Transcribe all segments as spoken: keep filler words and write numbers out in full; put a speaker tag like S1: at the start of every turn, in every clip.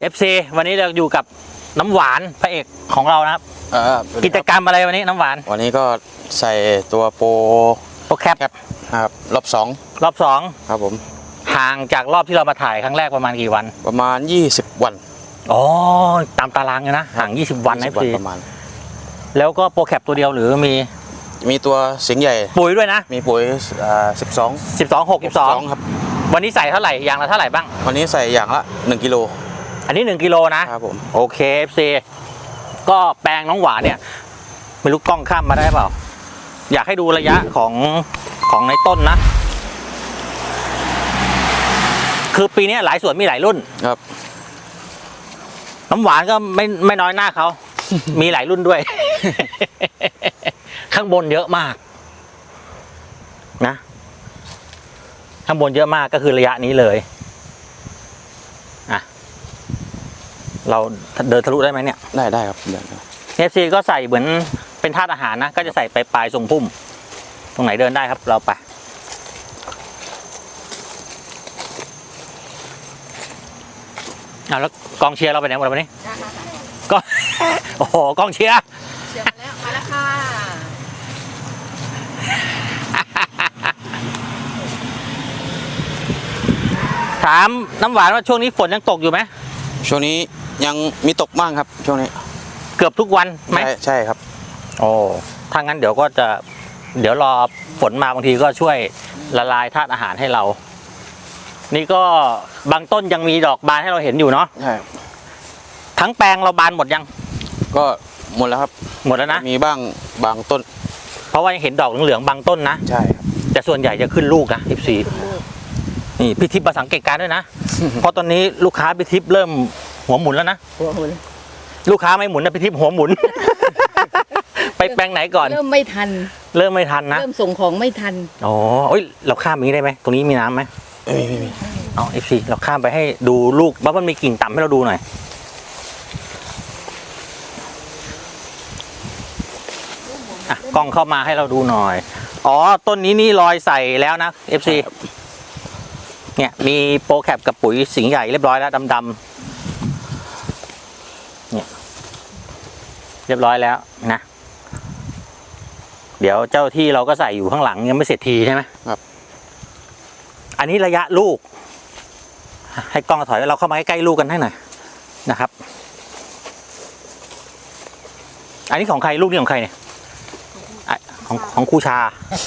S1: เอฟ ซี วันนี้เราอยู่กับน้ำหวานพระเอกของเรานะครับกิจกรรมอะไรวันนี้น้ำหวาน
S2: วันนี้ก็ใส่ตัวโปร
S1: โปรแคป
S2: ครับรอบสอง
S1: รอบสอง
S2: ครับผม
S1: ห่างจากรอบที่เรามาถ่ายครั้งแรกประมาณกี่วัน
S2: ประมาณยี่สิบวัน
S1: อ๋อตามตารางเลยนะห่างยี่สิบวันนะพี่
S2: ประมาณ
S1: แล้วก็โปรแคปตัวเดียวหรือมี
S2: มีตัวสิงห์ใหญ่
S1: ปุ๋ยด้วยนะ
S2: มีปุ๋ยสิบสอง
S1: สิบสอง หก สิบสอง
S2: ครับ
S1: วันนี้ใส่เท่าไหร่อย่างละเท่าไหร่บ้าง
S2: วันนี้ใส่อย่างละหนึ่งกิโล
S1: อันนี้หนึ่งกิโลนะครับผมโอเค เอฟ ซี ก็แปลงน้องหวานเนี่ยไม่รู้กล้องข้ามมาได้เปล่าอยากให้ดูระยะของของในต้นนะคือปีนี้หลายสวนมีหลายรุ่น
S2: ครับ
S1: น้ำหวานก็ไม่ไม่น้อยหน้าเขา มีหลายรุ่นด้วย ข้างบนเยอะมากนะข้างบนเยอะมากก็คือระยะนี้เลยอ่ะเราเดินทะลุได้ไหมเนี่ย
S2: ได้ได้ครับเดิน
S1: เอฟซีก็ใส่เหมือนเป็นธาตุอาหารนะก็จะใส่ไปปลายทรงพุ่มตรงไหนเดินได้ครับเราไปอ่ะแล้วกองเชียร์เราไปไหนหมดวันนี้ก็โอ้โหกองเชียร์
S3: เชียร์มาแล้วมาแล้วค่ะ
S1: ถามน้ำหวานว่าช่วงนี้ฝนยังตกอยู่ไหม
S2: ช่วงนี้ยังมีตกบ้างครับช่วงนี้
S1: เกือบทุกวันไหม
S2: ใช่ครับ
S1: โอ้ถ้างั้นเดี๋ยวก็จะเดี๋ยวรอฝนมาบางทีก็ช่วยละลายธาตุอาหารให้เรานี่ก็บางต้นยังมีดอกบานให้เราเห็นอยู่เนาะ
S2: ใช่
S1: ทั้งแปลงเราบานหมดยัง
S2: ก็หมดแล้วครับ
S1: หมดแล้วนะ
S2: มีบ้างบางต้น
S1: เพราะว่ายังเห็นดอกเหลืองๆบางต้นนะ
S2: ใช่ครับ
S1: แต่ส่วนใหญ่จะขึ้นลูกนะสิบสี่นี่พี่ทิพย์มาสังเกตการด้วยนะ เพราะตอนนี้ลูกค้าพี่ทิพย์เริ่มหัวหมุนแล้วนะ
S3: หัวหมุน
S1: ลูกค้าไม่หมุนนะพี่ทิพย์หัวหมุน ไปแปลงไหนก่อน
S3: เริ่มไม่ทัน
S1: เริ่มไม่ทันนะ
S3: เริ่มส่งของไม่ทัน
S1: อ๋อเอ้ยเราข้ามอย่างนี้ได้ไหมตรงนี้มีน้ำไหม
S2: ไม่มีไม่มี
S1: อ๋อเอฟซีเราข้ามไปให้ดูลูกว่ามันมีกิ่งต่ำให้เราดูหน่อยอ่ะกล้องเข้ามาให้เราดูหน่อยอ๋อต้นนี้นี่รอยใส่แล้วนะเอฟซีเนี่ยมีโปรแคปกับปุ๋ยสิงห์ใหญ่เรียบร้อยแล้วดำๆเนี่ยเรียบร้อยแล้วนะเดี๋ยวเจ้าที่เราก็ใส่อยู่ข้างหลังยังไม่เสร็จทีใช่ไหม
S2: ครับ
S1: อันนี้ระยะลูกให้กล้องถอยเราเข้ามาใกล้ๆลูกกันให้หน่อยนะครับอันนี้ของใครลูกนี่ของใครเนี่ยของของครูชา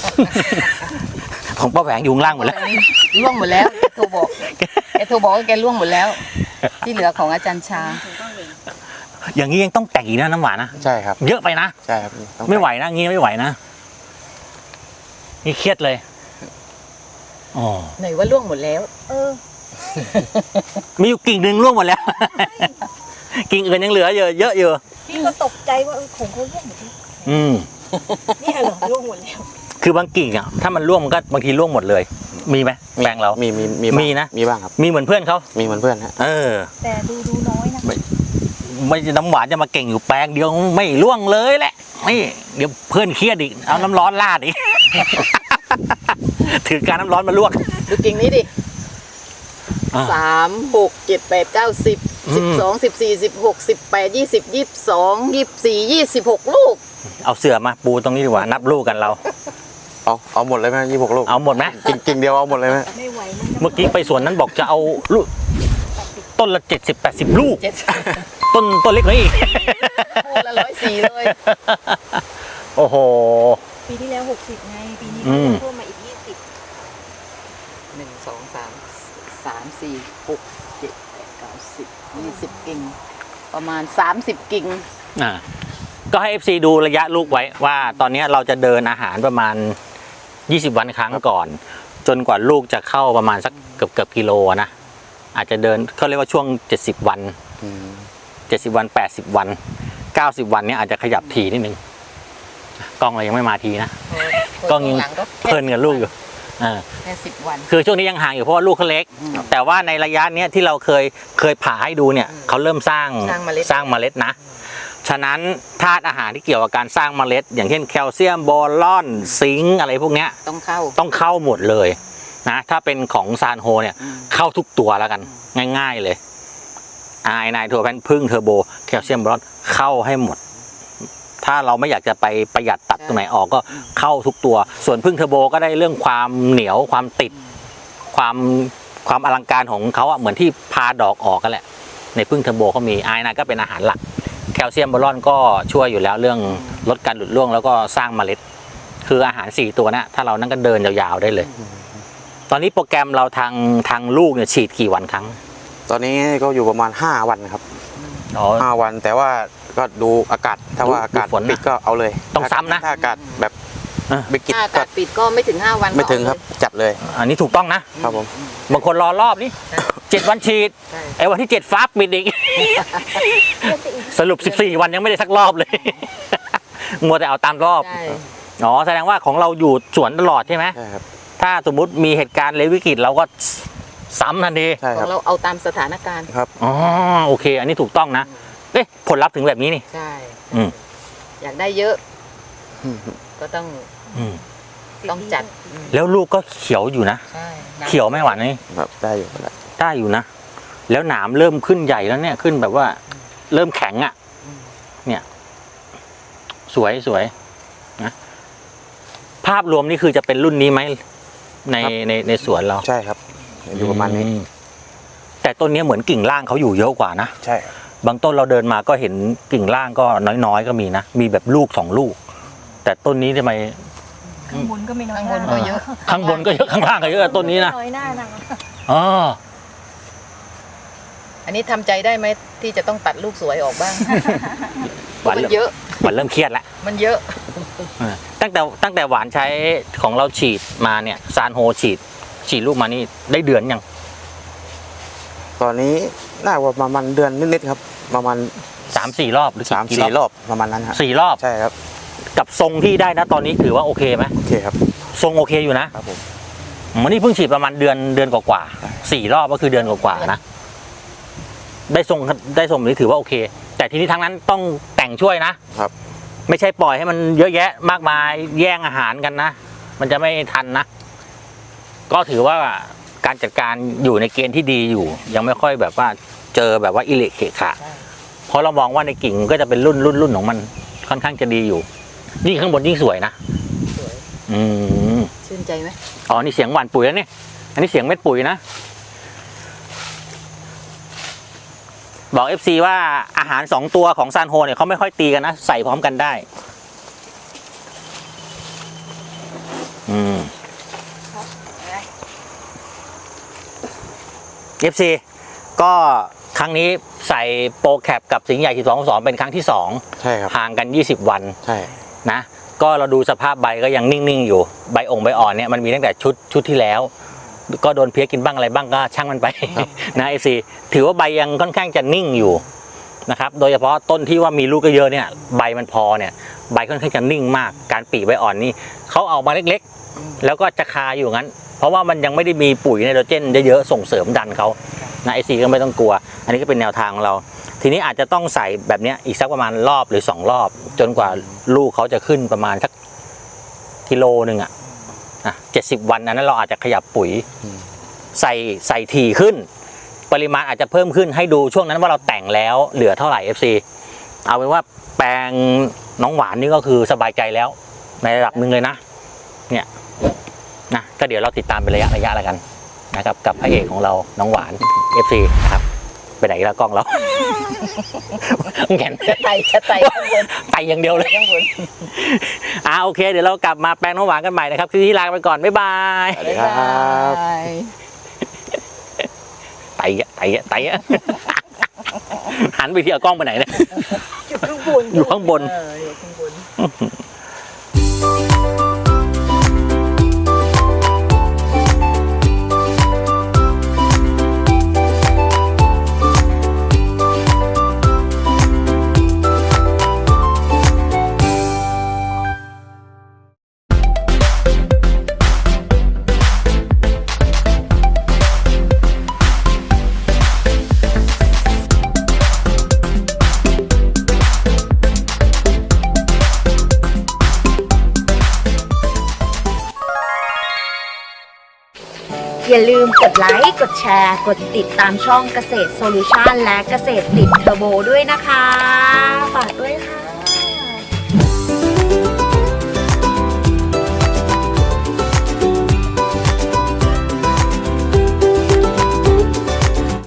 S1: ของป้าแหวงอยู่ข้างล่างหมดแล้ว
S3: ล่วงหมดแล้วแกโทรบอกแกโทรบอกว่าแกล่วงหมดแล้วที่เหลือของอาจารย์ชา
S1: อย่างนี้ยังต้องแต่งอีกนะน้ำหวานนะ
S2: ใช่ครับ
S1: เยอะไปนะ
S2: ใช่ครับ
S1: ไม่ไหวนะงี้ไม่ไหวนะนี่เครียดเลยอ๋อ
S3: ไหนว่าล่วงหมดแล้วเออ
S1: มีอยู่กิ่งหนึ่งล่วงหมดแล้วกิ่งอื่นยังเหลือเยอะเยอะอยู่
S3: พี่ก็ตกใจว่าของเขาล่วงหมดแล้ว
S1: อืม
S3: นี่เหรอล่วงหมดแล้ว
S1: คือบางกิ่งอ่ะถ้ามันร่วงมันก็บางทีร่วงหมดเลยมีไหมแปลงเรา
S2: มีมีมี
S1: มีนะ
S2: มีบ้างครับ
S1: มีเหมือนเพื่อนเขา
S2: มีเหมือนเพื่อนฮะ
S1: เออ
S3: แต่ดูดูน้อยนะ
S1: ไม่ไม่น้ำหวานจะมาเก่งอยู่แปลงเดียวไม่ร่วงเลยแหละไม่เดี๋ยวเพื่อนเครียดอีกเอาน้ำร้อนราดอีกถือการน้ำร้อนมาลวก
S3: ดูกิ่งนี้ดิสามหกเจ็ดแปดเก้าสิบสิบสองสิบสี่สิบหกสิบแปดยี่สิบยี่สิบสองยี่สิบสี่ยี่สิบหกลูก
S1: เอาเสื่อมาปูตรงนี้ดีกว่านับลูกกันเรา
S2: เอาเอาหมดเลยไหมยี่สิบหกลูก
S1: เอาหมดไหม
S2: กิ่งกิ่งเดียวเอาหมดเลยไหม
S3: ไม่ไหว
S1: เมื่อกี้ไปสวนนั้นบอกจะเอาลูกต้นละเจ็ดสิบแปดสิบลูกต้นต้นเล็กนี่
S3: โอ้ละร้อยสี่เลย
S1: โอ้โห
S3: ปีที่แล้วหกสิบไงปีนี้เพิ่มมาอีกยี่สิบหนึ่งสองสามสามสี่หกเจ็ดแปดเก้าสิบยี่สิบกิ่งประมาณสามสิบกิ่ง
S1: อ่าก็ให้ เอฟ ซี ดูระยะลูกไว้ว่าตอนนี้เราจะเดินอาหารประมาณยี่สิบวันครั้งก่อนจนกว่าลูกจะเข้าประมาณสักเกือบเกือบกิโลนะอาจจะเดินเขาเรียกว่าช่วงเจ็ดสิบวันเจ็ดสิบวันแปดสิบวันเก้าสิบวันเนี้ยอาจจะขยับทีนิดนึงกล้องเรายังไม่มาทีนะกล้องยังเพลินกับลูกอยู่
S3: แค่สิบวัน
S1: คือช่วงนี้ยังห่างอยู่เพราะว่าลูกเขาเล็กแต่ว่าในระยะเนี้ยที่เราเคยเคยผ่าให้ดูเนี่ยเขาเริ่มสร้างสร้างเมล็ดนะฉะนั้นธาตุอาหารที่เกี่ยวกับการสร้างเมล็ดอย่างเช่นแคลเซียมบอลอนซิงค์อะไรพวกเนี้ย
S3: ต้องเข้า
S1: ต้องเข้าหมดเลยนะถ้าเป็นของซานโฮเนี่ยเข้าทุกตัวแล้วกันง่ายๆเลยไอไนโทรแพนพึ่งเทอร์โบแคลเซียมบรอนเข้าให้หมด ถ้าเราไม่อยากจะไปประหยัดตัดตรงไหนออกก็เข้าทุกตัว ส่วนพึ่งเทอร์โบก็ได้เรื่องความเหนียวความติดความความอลังการของเขาอะเหมือนที่พาดอกออกกันแหละในพึ่งเทอร์โบเขามีไอไนก็เป็นอาหารหลักแคลเซียมบรอนก็ช่วยอยู่แล้วเรื่องลดการหลุดร่วงแล้วก็สร้างเมล็ดคืออาหารสี่ตัวนะถ้าเรานั่งก็เดินยาวๆได้เลย ตอนนี้โปรแกรมเราทางทางลูกเนี่ยฉีดกี่วันครั้ง
S2: ตอนนี้ก็อยู่ประมาณห้าวันครับ
S1: อ๋อ
S2: ห้าวันแต่ว่าก็ดูอากาศถ้าว่าอากาศ
S1: ดูฝนนะ
S2: ปิดก็เอาเลย
S1: ต้องซ้ำนะ
S2: ถ้าอากาศแบบไม่กิด
S3: ถ้าอา
S2: ก็
S3: กาศปิดก็ไม่ถึงห้าวัน
S2: ไม่ถึง
S3: ก็
S2: ครับจัดเลย
S1: อันนี้ถูกต้องนะครับ
S2: ผม
S1: บางคนรอรอบนี้เจ็ดวันฉีด
S3: ใช่
S1: ไอ้วันที่เจ็ดฟ้าปิดอีก สรุปสิบสี่วันยังไม่ได้สักรอบเลย มัวแต่เอาตามรอบ
S3: ใช่
S1: อ๋อแสดงว่าของเราอยู่สวนตลอดใช่ไหม
S2: ใช่ครับ
S1: ถ้าสมมุติมีเหตุการณ์เลววิกฤตเราก็ซ้ำทันที
S2: ใช่
S3: ข
S2: ค
S3: อ
S2: รับ
S3: งเราเอาตามสถานการณ์
S2: ครับ
S1: อ๋อโอเค อันนี้ถูกต้องนะเอ๊ะผลลัพธ์ถึงแบบนี้นี่
S3: ใช่
S1: อืม
S3: อยากได้เยอะ ก็ต้อง
S1: อืม
S3: ต้องจัดอืม
S1: แล้วลูกก็เขียวอยู่นะ
S3: ใช่
S1: เขียวไม่หวานนี่
S2: แบบได้อยู่แล้ว
S1: ได้อยู่นะ แล้วหนามเริ่มขึ้นใหญ่แล้วเนี่ยขึ้นแบบว่า เริ่มแข็งอะ่ะ เนี่ย สวยสวยนะภาพรวมนี่คือจะเป็นรุ่นนี้ไหมในในในสวนเรา
S2: ใช่ครับอยู่ประมาณนี้
S1: อืแต่ต้นนี้เหมือนกิ่งล่างเขาอยู่เยอะกว่านะ
S2: ใช่ครับ
S1: บางต้นเราเดินมาก็เห็นกิ่งล่างก็น้อยๆก็มีนะมีแบบลูกสองลูก แต่ต้นนี้ทำไม
S4: ข้างบนก็ไม่น้อย
S3: ข้างบนก็เยอะ
S1: ข้างบนก็เยอะข้างล่างก็เยอะต้นนี้นะ
S4: น้อยหน้านะ
S1: อ๋อ
S3: อันนี้ทำใจได้ไหมที่จะต้องตัดลูกสวยออกบ้าง
S1: หวาน
S3: มัน
S1: เริ่ม
S3: เยอะ
S1: หวานเริ่มเครียดแล้ว
S3: มันเยอะ
S1: เออตั้งแต่ตั้งแต่หวานใช้ของเราฉีดมาเนี่ยซานโฮฉีด ฉีดลูกมานี่ได้เดือนยัง
S2: ตอนนี้น่าว่าประมาณเดือนนิดๆครับ ประมาณ
S1: สามสี่รอบหรือ
S2: สาม
S1: กี่
S2: สี่รอบประมาณนั้นครับ
S1: สี่รอบ
S2: ใช่ครับ
S1: กับทรงที่ได้นะตอนนี้ถือว่าโอเคไหม
S2: โอเคครับ
S1: ทรงโอเคอยู่นะครับ
S2: ผม
S1: วันนี้เพิ่งฉีดประมาณเดือนเดือนกว่าๆสี่รอบก็คือเดือนกว่าๆนะได้ทรงได้ทรงแบบนี้ถือว่าโอเค แต่ทีนี้ทั้งนั้นต้องแต่งช่วยนะครับ ไม่ใช่ปล่อยให้มันเยอะแยะมากมายแย่งอาหารกันนะมันจะไม่ทันนะ ก็ถือว่าการจัดการอยู่ในเกณฑ์ที่ดีอยู่ ยังไม่ค่อยแบบว่าเจอแบบว่าอิเละเขะขะ
S3: ใช่
S1: เพราะเรามองว่าในกิ่งก็จะเป็นรุ่นรุ่นรุ่นของมันค่อนข้างจะดีอยู่ยิ่งข้างบนยิ่งสวยนะ
S3: สวย
S1: อืม
S3: ชื่นใจไหม
S1: อ๋อนี่เสียงหวานปุ๋ยแล้วเนี่ยอันนี้เสียงเม็ดปุ๋ยนะบอก เอฟ ซี ว่าอาหารสองตัวของซานโฮเนี่ยเขาไม่ค่อยตีกันนะใส่พร้อมกันได้อืม เอฟ ซี ก็ครั้งนี้ใส่โปรแคปกับสิงห์ใหญ่สิบสองสองเป็นครั้งที่สอง
S2: ใช่ครับ
S1: ห่างกันยี่สิบวัน
S2: ใช่
S1: นะก็เราดูสภาพใบก็ยังนิ่งๆอยู่ใบองค์ใบอ่อนเนี่ยมันมีตั้งแต่ชุดชุดที่แล้ว ก็โดนเพี้ยกินบ้างอะไรบ้างก็ช่างมันไป นะ เอฟ ซี ถือว่าใบยังค่อนข้างจะนิ่งอยู่นะครับโดยเฉพาะต้นที่ว่ามีลูกเยอะๆเนี่ยใบมันพอเนี่ยใบค่อนข้างจะนิ่งมากการปีใบอ่อนนี่เขาเอามาเล็กๆ แล้วก็จะคาอยู่งั้น เพราะว่ามันยังไม่ได้มีปุ๋ยไนโตรเจนเยอะๆส่งเสริมดันเขานะ เอฟ ซี ก็ไม่ต้องกลัว อันนี้ก็เป็นแนวทางของเรา ทีนี้อาจจะต้องใส่แบบเนี้ยอีกสักประมาณรอบหรือสองรอบ จนกว่าลูกเขาจะขึ้นประมาณสักกิโลหนึ่งอะนะเจ็ดสิบวันอันนั้นเราอาจจะขยับปุ๋ย ใส่ใส่ถี่ขึ้น ปริมาณอาจจะเพิ่มขึ้นให้ดูช่วงนั้นว่าเราแต่งแล้วเหลือเท่าไหร่ เอฟ ซี เอาเป็นว่าแปลงน้องหวานนี่ก็คือสบายใจแล้ว ในระดับหนึ่งเลยนะเนี่ยนะก็เดี๋ยวเราติดตามเป็นระยะระยะแล้วกันนะครับกับพระเอกของเราน้องหวาน เอฟ ซี นะครับไปไหนแล้วกล้องเรา แง่น
S3: จะไต่จะไต่ข้างบน
S1: ไตอย่างเดียวเลย
S3: ข้างบน
S1: อ่าโอเคเดี๋ยวเรากลับมาแปลงน้องหวานกันใหม่นะครับที่นี่ลาไปก่อนบ๊ายบาย
S2: สวัสดีครับ
S3: บ๊ายบาย
S1: ไตอะไตอะไตอะ หันไปที่เอากล้องไปไหนเนี่ย
S4: อยู่ข้างบน
S1: อยู่ข้างบน
S3: เอออยู่ข้างบน
S5: อย่าลืมกดไลค์ กดแชร์ กดติดตามช่องเกษตรโซลูชันและเกษตรติดเทอร์โบด้วยนะคะ ฝากด้วย